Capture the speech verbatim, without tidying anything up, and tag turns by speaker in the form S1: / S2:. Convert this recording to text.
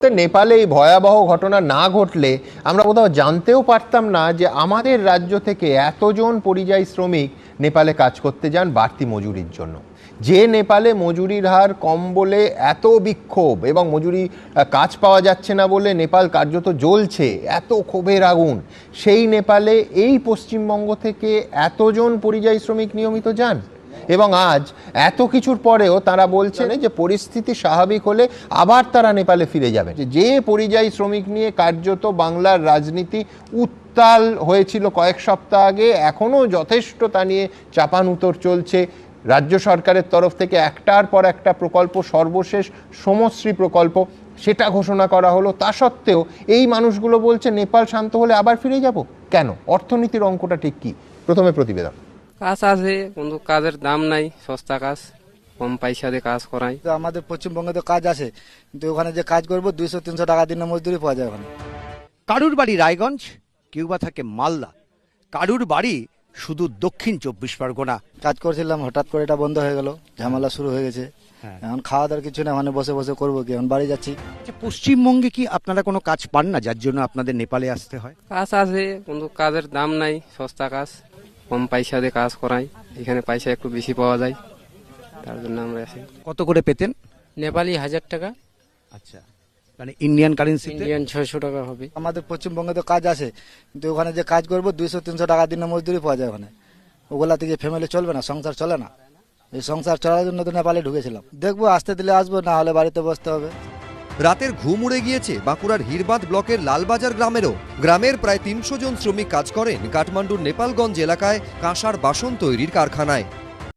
S1: তো নেপালে এই ভয়াবহ ঘটনা না ঘটলে আমরা কোথাও জানতেও পারতাম না যে আমাদের রাজ্য থেকে এতজন পরিযায়ী শ্রমিক নেপালে কাজ করতে যান বাড়তি মজুরির জন্য। যে নেপালে মজুরির হার কম বলে এত বিক্ষোভ এবং মজুরি কাজ পাওয়া যাচ্ছে না বলে নেপাল কার্যত জ্বলছে, এত ক্ষোভের আগুন, সেই নেপালে এই পশ্চিমবঙ্গ থেকে এতজন পরিযায়ী শ্রমিক নিয়মিত যান এবং আজ এত কিছুর পরেও তারা বলছেন যে পরিস্থিতি স্বাভাবিক হলে আবার তারা নেপালে ফিরে যাবে। যে পরিযায়ী শ্রমিক নিয়ে কার্যত বাংলার রাজনীতি উত্তাল হয়েছিল কয়েক সপ্তাহ আগে, এখনো যথেষ্ট তা নিয়ে চাপানুতর চলছে। রাজ্য সরকারের তরফ থেকে একটার পর একটা প্রকল্প, সর্বশেষ সমশ্রী প্রকল্প, সেটা ঘোষণা করা হলো। তা সত্ত্বেও এই মানুষগুলো বলছে নেপাল শান্ত হলে আবার ফিরে যাব। কেন? অর্থনীতির অঙ্কটা ঠিক কি? প্রথমে প্রতিবেদন।
S2: কাজ আছে কিন্তু কাজের দাম নাই, সস্তা কাজ, কম পয়সা দিয়ে কাজ করাই।
S3: আমাদের পশ্চিমবঙ্গে তো কাজ আছে, কিন্তু ওখানে যে কাজ করবো দুইশো তিনশো টাকা দিনে মজদুরি পাওয়া যায় ওখানে।
S4: কারুর বাড়ি রায়গঞ্জ, কেউ বা থাকে মালদা, কারুর বাড়ি শুধু দক্ষিণ চব্বিশ পরগনা।
S3: কাজ করছিলাম, হঠাৎ করে এটা বন্ধ হয়ে গেল, ঝামেলা শুরু হয়ে গেছে। এখন খাওয়া দাওয়ার কিছু না, ওখানে বসে বসে করবো কি, এখন বাড়ি যাচ্ছি।
S4: পশ্চিমবঙ্গে কি আপনারা কোনো কাজ পান না যার জন্য আপনাদের নেপালে আসতে হয়?
S2: কাজ আছে কিন্তু কাজের দাম নাই, সস্তা কাজ, কম পয়সা দিয়ে কাজ করাই। এখানে পয়সা একটু বেশি পাওয়া যায়, তার জন্য আমরা আসি।
S4: কত করে পেতেন?
S2: নেপালি হাজার টাকা,
S4: আচ্ছা, মানে ইন্ডিয়ান কারেন্সি।
S2: ইন্ডিয়ান ছয়শো টাকা হবে।
S3: আমাদের পশ্চিমবঙ্গে তো কাজ আছে, কিন্তু ওখানে যে কাজ করবো দুইশো তিনশো টাকা দিনে মজদুরি পাওয়া যায় ওখানে। ওগুলাতে যে ফ্যামিলি চলবে না, সংসার চলে না। এই সংসার চলার জন্য তো নেপালে ঢুকেছিলাম। দেখবো, আসতে দিলে আসবো, না হলে বাড়িতে বসতে হবে।
S5: রাতের ঘুম উড়ে গিয়েছে বাঁকুড়ার হিরবাদ ব্লকের লালবাজার গ্রামেরও। গ্রামের প্রায় তিনশো জন শ্রমিক কাজ করেন কাঠমান্ডুর নেপালগঞ্জ এলাকায় কাঁসার বাসন তৈরির কারখানায়।